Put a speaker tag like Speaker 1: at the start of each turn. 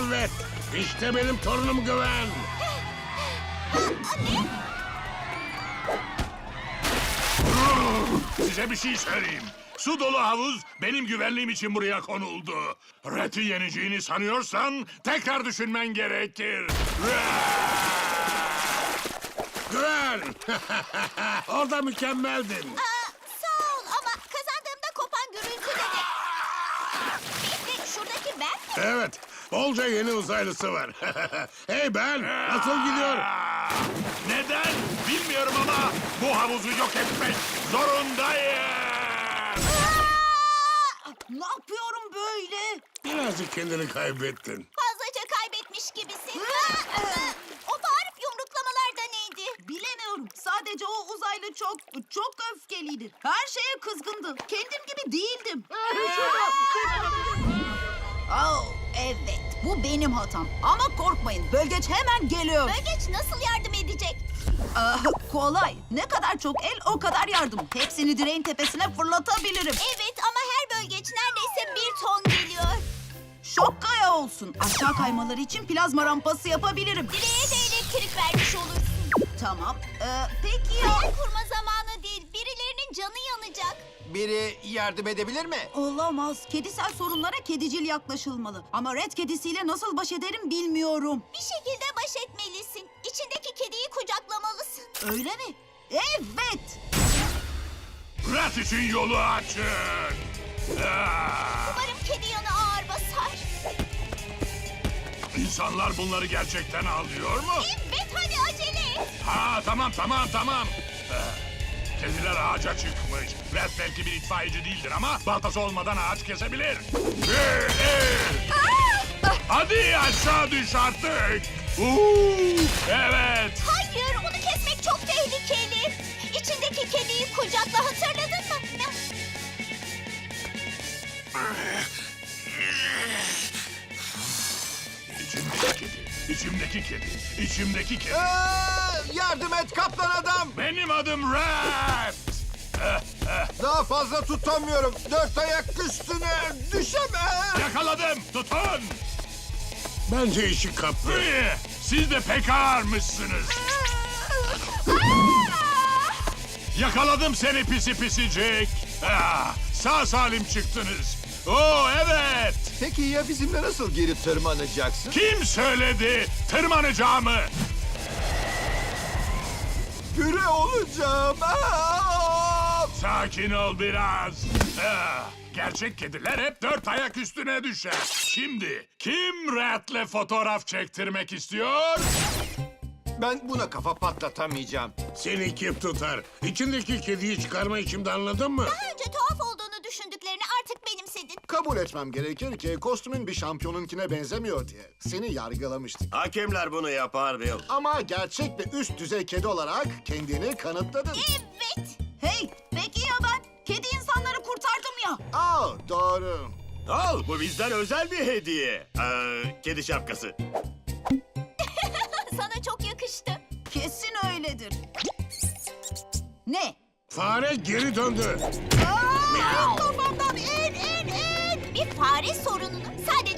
Speaker 1: Evet, işte benim torunum Güven.
Speaker 2: Size bir şey söyleyeyim. Su dolu havuz benim güvenliğim için buraya konuldu. Red'i yeneceğini sanıyorsan tekrar düşünmen gerekir.
Speaker 1: Güven! Orada mükemmeldin.
Speaker 3: Sağ ol ama kazandığımda kopan gürültüde de... Bekle, şuradaki ben mi?
Speaker 1: Evet, bolca yeni uzaylısı var. Hey Ben, nasıl gidiyor?
Speaker 2: Neden? Bilmiyorum ama bu havuzu yok etmek zorundayım.
Speaker 4: Ne yapıyorum böyle?
Speaker 1: Birazcık kendini kaybettin.
Speaker 3: Fazlaca kaybetmiş gibisin. O bağırıp yumruklamalar da neydi?
Speaker 4: Bilemiyorum. Sadece o uzaylı çok öfkeliydi. Her şeye kızgındı. Kendim gibi değildim. Oh, evet. Bu benim hatam. Ama korkmayın. Bölgeç hemen geliyor.
Speaker 3: Bölgeç nasıl yardım edecek?
Speaker 4: Kolay. Ne kadar çok el o kadar yardım. Hepsini direğin tepesine fırlatabilirim.
Speaker 3: Evet ama her bölgeç neredeyse 1 ton geliyor.
Speaker 4: Şok kaya olsun. Aşağı kaymaları için plazma rampası yapabilirim.
Speaker 3: Direğe de elektrik vermiş olursun.
Speaker 4: Tamam. Peki ya...
Speaker 3: Hayal kurma zamanı değil. Birilerinin canı yanacak.
Speaker 5: Biri yardım edebilir mi?
Speaker 4: Olamaz. Kedisel sorunlara kedicil yaklaşılmalı. Ama red kedisiyle nasıl baş ederim bilmiyorum.
Speaker 3: Bir şekilde baş etmelisin. İçindeki kediyi kucaklamalısın.
Speaker 4: Öyle mi? Evet.
Speaker 2: Red için yolu açın.
Speaker 3: Umarım kedi yanı ağır basar.
Speaker 2: İnsanlar bunları gerçekten alıyor mu?
Speaker 3: Evet hadi acele et.
Speaker 2: Ha tamam. Kediler ağaca çıkmış. Red belki bir itfaiyeci değildir ama baltası olmadan ağaç kesebilir. Hadi aşağı düş artık. Evet.
Speaker 3: Hayır onu kesmek çok tehlikeli. İçindeki kediyi kucakla hatırladın mı?
Speaker 2: İçimdeki kedi.
Speaker 5: Yardım et kaplan adam.
Speaker 2: Benim adım Red.
Speaker 5: Daha fazla tutamıyorum. 4 ayak üstüne düşemem.
Speaker 2: Yakaladım. Tutun.
Speaker 1: Bence işi kaptı.
Speaker 2: Siz de pek ağırmışsınız. Yakaladım seni pisi pisicik. Sağ salim çıktınız. Oo evet.
Speaker 5: Peki ya bizimle nasıl geri tırmanacaksın?
Speaker 2: Kim söyledi tırmanacağımı?
Speaker 5: Püre olacağım.
Speaker 2: Sakin ol biraz. Gerçek kediler hep 4 ayak üstüne düşer. Şimdi kim Red'le fotoğraf çektirmek istiyor?
Speaker 5: Ben buna kafa patlatamayacağım.
Speaker 1: Seni kim tutar? İçindeki kediyi çıkarma içimde, anladın mı?
Speaker 3: Daha önce tuhaf olduğunu düşündüklerini artık benimsedin.
Speaker 6: Kabul etmem gerekir ki kostümün bir şampiyonunkine benzemiyor diye seni yargılamıştık.
Speaker 7: Hakemler bunu yapar Bill.
Speaker 6: Ama gerçek ve üst düzey kedi olarak kendini kanıtladın.
Speaker 3: Evet.
Speaker 4: Hey, peki ya ben? Kedi insanları kurtardım ya.
Speaker 6: Doğru.
Speaker 7: Al, bu bizden özel bir hediye. Kedi şapkası.
Speaker 3: Sana çok yakıştı.
Speaker 4: Kesin öyledir. Ne?
Speaker 1: Fare geri döndü.
Speaker 3: Kafamdan in. Bir fare sorununu sadece